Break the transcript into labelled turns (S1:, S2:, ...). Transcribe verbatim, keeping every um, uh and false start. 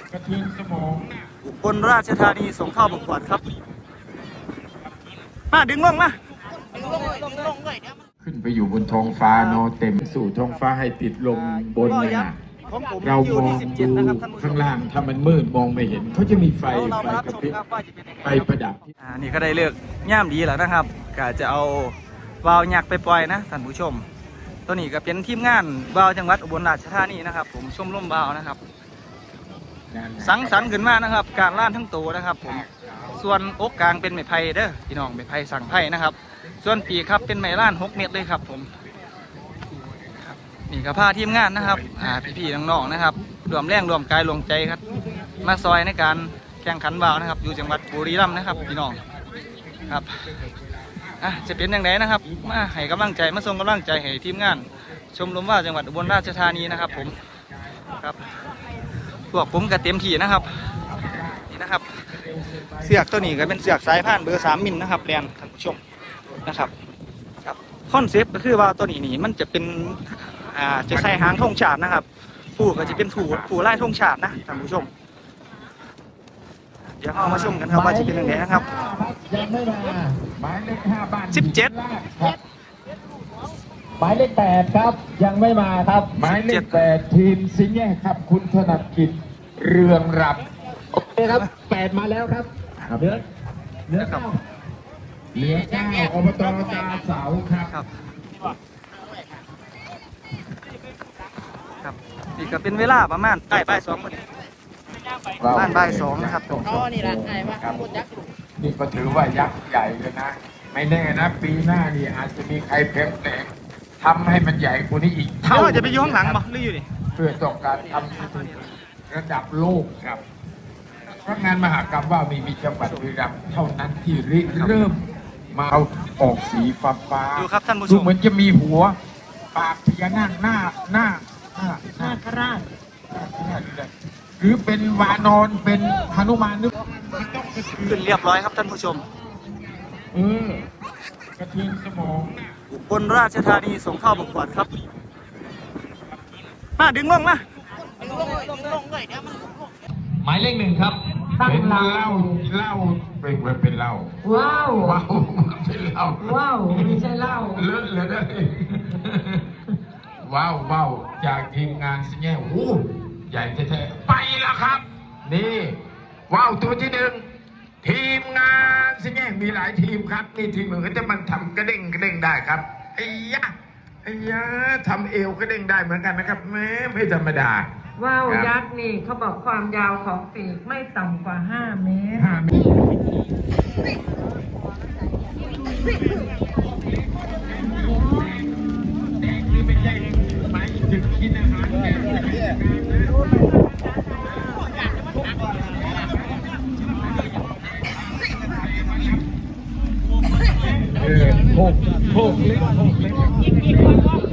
S1: กระเทือนสมอง
S2: อุบลราชธานีส่งเข้าประกวดครับมาดึงลงมา
S1: ขึ้นไปอยู่บนท้องฟ้าเนาะเต็มสู่ท้องฟ้าให้ติดลมบนนะเรามองดูข้างล่างถ้ามันมืดมองไม่เห็นเขาจะมีไฟไฟกระพริบไฟประดับ
S2: อ่านี่ก็ได้เลือกย่ามดีแล้วนะครับก็จะเอาวาวยักษ์ไปปล่อยนะท่านผู้ชมตัวนี้ก็เป็นทีมงานวาวจังหวัดอุบลราชธานีนะครับผมชมรมวาวนะครับสังสรรค์ขึ้นมานะครับการล่านทั้งตัวนะครับผมส่วนอกกลางเป็นไม้ไผ่เด้อพี่น้องไม้ไผ่สั่งไผ่นะครับส่วนปีกครับเป็นไม้ล่านหกเมตรเลยครับผมนี่ก็พาทีมงานนะครับอ่าพี่ๆน้องๆนะครับรวมแรงรวมกายรวมใจครับมาซอยในการแข่งขันวาวนะครับอยู่จังหวัดบุรีรัมย์นะครับพี่น้องครับอ่ะจะเป็นอย่างไรนะครับมาให้กำลังใจมาส่งกำลังใจให้ทีมงานชมรมว่าวจังหวัดอุบลราชธานีนะครับผมครับพวกผมก็เต็มที่นะครับนี่นะครับเสือกตัวนี้ก็เป็นเสือกสายพานเบอร์สามมิลนะครับเรียนท่านผู้ชมนะครับครับคอนเซปต์ก็คือว่าตัวนี้นี่มันจะเป็นอ่าจะใส่หางธงชาตินะครับผู้ก็จะเป็นผู้ผู้ไล่ธงชาตินะท่านผู้ชมเดี๋ยวเรามาชมกันครับว่าจะเป็นยังไงนะครับ
S1: ยังไม่มาหมายเลขห้าบ้าน
S2: สิบเจ็ด
S3: หมายเลขแปดครับยังไม่มาครับ
S1: หมายเลขแปดทีมสิงห์แย่ครับคุณถนัดกิจเรืองรับ
S3: โอเคครับแปดมาแล้วครับเหลือเหลือเก้า
S1: เหลือเก้าอบตตาเสาครับ
S2: ครับครับนี่ก็เป็นเวลาประมาณใกล้บ่ายสองประมาณบ่ายสองนะครับตรง
S4: นี่แหละไอ้ว่า
S1: ครับนี่ก็ถือว่ายักษ์ใหญ่เลยนะไม่แน่นะปีหน้านี่อาจจะมีใครเพิ่มแต่งทำให้มันใหญ่กว่านี้อีก
S2: เท่าจะไปอยู่ข้างหลังบ่หรืออยู่ดิ
S1: เพื่อต้องการทำระดับโลกครับเพราะงานมหกรรมว่ามีมีจังหวัดบุรีรัมย์เท่านั้นที่ริเริ่มมาเอาออกสีฟ้าฟ้า
S2: ดูครับท่านผู้ช
S1: ดู
S2: ม
S1: เหมือนจะมีหัวปากพญานาคหน้าหน้าหน้า
S4: หน้าคราช
S1: หรือเป็นวานอนเป็นหนุมานนึก
S2: ขึ้นเรียบร้อยครับท่านผู้ชม
S1: เออกระเทือนสมอง
S2: อุบลราชธานีส่งเข้าประกวดครับมาดึงลงมา
S1: หมายเลขหนึ่งครับเป็นเหล้าเหล้าเป็นเป็นเหล้า
S4: ว้าว
S1: ว้าวเป็นเหล้า
S4: ว้าวไม่ใช่เหล้า
S1: เลอะเลยนะว้าวว้าวจากทีมงานสิแง่โอ้ใหญ่แท้ๆไปแล้วครับนี่ว้าวตัวที่หนึ่งทีมงานสิแง่มีหลายทีมครับนี่ทีมหนึ่งเขาจะมันทำกระเด้งกระเด้งได้ครับไอ้ยะไอ้ยะทำเอวกระเด้งได้เหมือนกันนะครับแม้ไม่ธรรมดา
S4: ว้าวยักษ์นี่เขาบอกความยาวของปีกไม่ต่ำกว่าห้าเมตร
S1: ห้าเมตรนี่ไม่ใช่หมายถึงกินอาหารเออโคกโคกเล็กโคกเล็ก